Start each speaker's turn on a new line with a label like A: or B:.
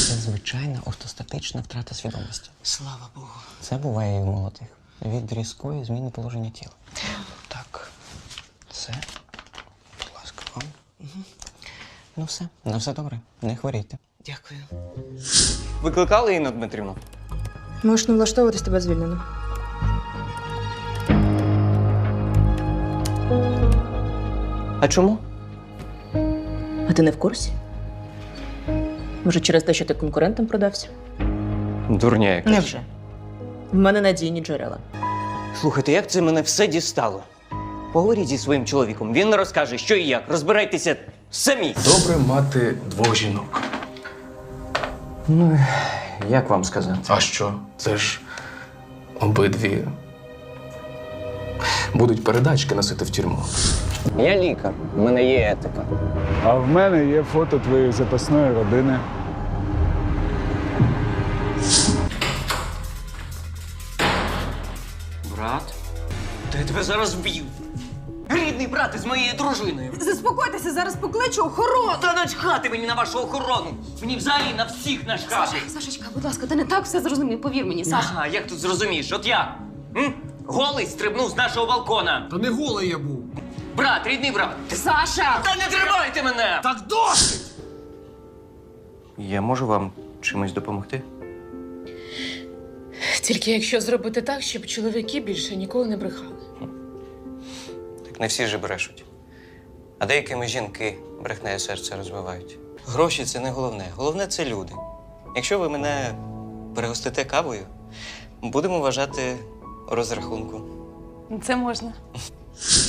A: Це звичайна ортостатична втрата свідомості.
B: Слава Богу.
A: Це буває і в молодих. Від різкої зміни положення тіла. Так, це, будь ласка, вам. Угу. Ну все, на все добре. Не хворійте.
B: Дякую.
A: Викликали Інну Дмитрівну?
C: Можеш не влаштовуватись, тебе звільнено.
A: А чому?
C: А ти не в курсі? Може, через те, що ти конкурентам продався?
A: Дурня якась.
C: Невже? В мене надійні джерела.
A: Слухайте, як це мене все дістало? Поговоріть зі своїм чоловіком, він розкаже, що і як. Розбирайтеся самі.
D: Добре мати двох жінок.
A: Ну, як вам сказати?
D: А що? Це ж обидві будуть передачки носити в тюрму.
A: Я лікар, в мене є етика.
E: А в мене є фото твоєї запасної родини.
A: Брат? Та я тебе зараз вб'ю. Рідний брат із моєю дружиною.
F: Заспокойтеся, зараз покличу охорону.
A: Та начхати мені на вашу охорону. Мені взагалі на всіх начхати.
F: Сашечка, будь ласка, ти не так все зрозумів, повір мені, Саша.
A: Ага, як тут зрозумієш? От я. Голий стрибнув з нашого балкона.
B: Та не голий я був.
A: Брат, рідний брат.
F: Саша!
A: Та не тримайте мене!
B: Так досить!
A: Я можу вам чимось допомогти?
G: Тільки якщо зробити так, щоб чоловіки більше ніколи не брехали.
A: Так не всі ж брешуть. А деякими жінки брехнеє серце розвивають. Гроші – це не головне. Головне – це люди. Якщо ви мене перегостите кавою, будемо вважати розрахунку.
G: Це можна.